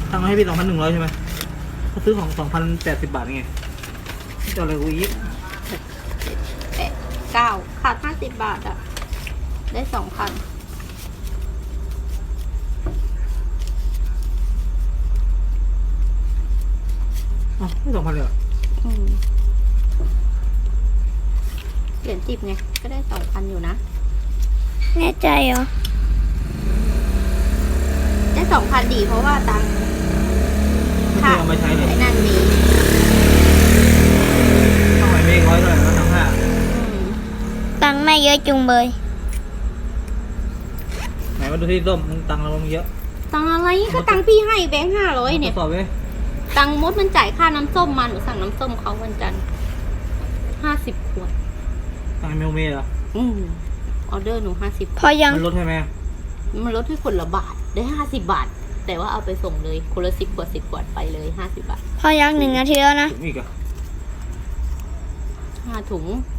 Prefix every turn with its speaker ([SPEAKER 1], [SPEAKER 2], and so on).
[SPEAKER 1] ตั้งให้พี่2,100ใช่ไหมเขาซื้อของ2,080 บาทไงจะอะไรกูอีก
[SPEAKER 2] 9ขาด50 บาทอ่ะได้2,000
[SPEAKER 1] อ๋อไม่2,000เลยเหรอ
[SPEAKER 2] เหรียญ10ไงก็ได้2,000อยู่นะ
[SPEAKER 3] แน่ใจเหรอ
[SPEAKER 2] ได้2,000ดีเพราะว่าตังค์
[SPEAKER 1] ไม่เคยเอามาใช้เลย
[SPEAKER 2] ไอ้นั่นดี
[SPEAKER 1] ต้องไหวเมฆ100เท่าไหร่แล้วทั้งห้า
[SPEAKER 3] ตังค์แม่เยอะจุงเบย
[SPEAKER 1] ไหนมาดูที่ส้มมึงตังค์เรามึงเยอะ
[SPEAKER 2] ตังค์อะไรก็ตังค์พี่ให้แบงค์500เนี่ย
[SPEAKER 1] ทดสอบเว้ย
[SPEAKER 2] ตังค์มดมันจ่ายค่าน้ำส้มมาหนูสั่งน้ำส้มเขาวันจันทร์50 ขวด
[SPEAKER 1] ตังค์เมลเมย์เหรอ
[SPEAKER 2] ออเดอร์หนู50
[SPEAKER 3] พอยัง
[SPEAKER 1] มันลดใช่ไหม
[SPEAKER 2] มันลดให้คนละบาทได้50 บาท แต่ว่าเอาไปส่งเลยคนละ10 ขวด10 ขวดไปเลย50 บาท
[SPEAKER 3] พอยัง1 นาทีแล้วนะ
[SPEAKER 1] ถึงอีกเหรอ่ะ
[SPEAKER 2] 5 ถุง